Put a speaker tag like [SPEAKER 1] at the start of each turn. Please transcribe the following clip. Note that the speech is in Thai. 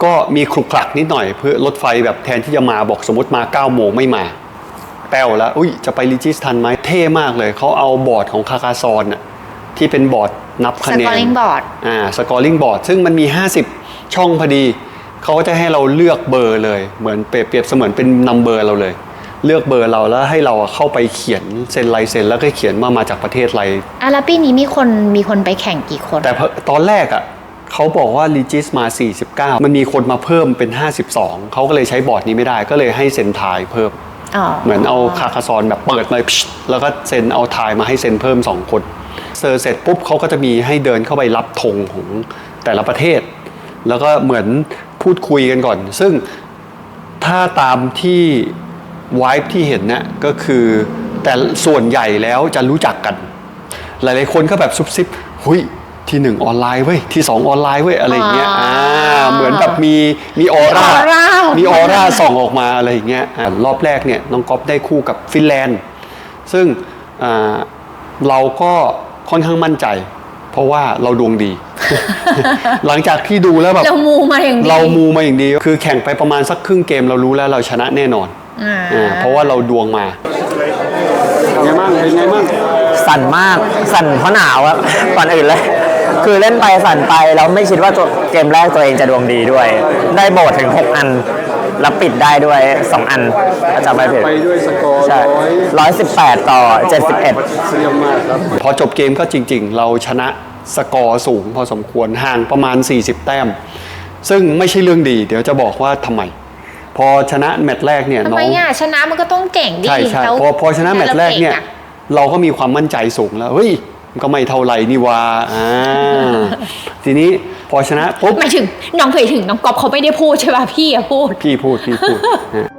[SPEAKER 1] ก็มีคลุกคลักนิดหน่อยเพื่อรถไฟแบบแทนที่จะมาบอกสมมติมา9 โมงไม่มาแป้วแล้วอุ้ยจะไปลิจิสทันไหมเท่มากเลยเขาเอาบอร์ดของคาคาซอนน่ะที่เป็นบอร์ดนับคะแนน
[SPEAKER 2] scoring board
[SPEAKER 1] สกอร์ลิงบอร์ดซึ่งมันมี50ช่องพอดีเขาก็จะให้เราเลือกเบอร์เลยเหมือนเปรียบเสมือนเป็นนัมเบอร์เราเลยเลือกเบอร์เราแล้วให้เราเข้าไปเขียนเซ็นลายเซ็นแล้วก็เขียนว่ามาจากประเทศอะไร
[SPEAKER 2] แล้วปีนี้มีคนไปแข่งกี่คน
[SPEAKER 1] แต่ตอนแรกอ่ะเขาบอกว่าลีจิสมา49มันมีคนมาเพิ่มเป็น52เขาก็เลยใช้บอร์ดนี้ไม่ได้ก็เลยให้เซ็นทายเพิ่มเหมือนเอาคาคาซอนแบบเปิดเลยแล้วก็เซ็นเอาทายมาให้เซ็นเพิ่ม2 คนเสร็จปุ๊บเขาก็จะมีให้เดินเข้าไปรับธงของแต่ละประเทศแล้วก็เหมือนพูดคุยกันก่อนซึ่งถ้าตามที่ไวฟ์ที่เห็นเนี่ยก็คือแต่ส่วนใหญ่แล้วจะรู้จักกันหลายๆคนก็แบบซุบซิบหุยที่1ออนไลน์เว้ยที่2ออนไลน์เว้ยอะไรอย่างเงี้ยเหมือนแบบมีออร่าส่องออกมาอะไรอย่างเงี้ยรอบแรกเนี่ยน้องก๊อฟได้คู่กับฟินแลนด์ซึ่งเราก็ค่อนข้างมั่นใจเพราะว่าเราดวงดี หลังจากที่ดูแล้วแบบ
[SPEAKER 2] เรามูมา
[SPEAKER 1] อย่างดีคือแข่งไปประมาณสักครึ่งเกมเรารู้แล้วเราชนะแน่นอนเพราะว่าเราดวงมาเป็นไงมั่ง
[SPEAKER 3] สั่นมากสั่นเพราะหนาวครับก่อนอื่นเลยคือเล่นไปสั่นไปแล้วไม่คิดว่าเกมแรกตัวเองจะดวงดีด้วยได้โบสถึง6 อันแล้วปิดได้ด้วย2 อันจำไม่ผิด
[SPEAKER 1] ไปด้วยสกอร์
[SPEAKER 3] 118 ต่อ 71
[SPEAKER 1] เยี่ยมมากครับพอจบเกมก็จริงๆเราชนะสกอร์สูงพอสมควรห่างประมาณ40 แต้มซึ่งไม่ใช่เรื่องดีเดี๋ยวจะบอกว่าทำไมพอชนะแมตช์แรกเนี่ย
[SPEAKER 2] ทำไมชนะมันก็ต้องเก่งดิ
[SPEAKER 1] ใช่พอชนะแมตช์แรกเนี่ยเราก็มีความมั่นใจสูงแล้วเฮ้ยก็ไม่เท่าไรนี่วะทีนี้พอชนะปุ๊บ
[SPEAKER 2] หมายถึงน้องก๊อฟเขาไม่ได้พูดใช่ป่ะพี่พูด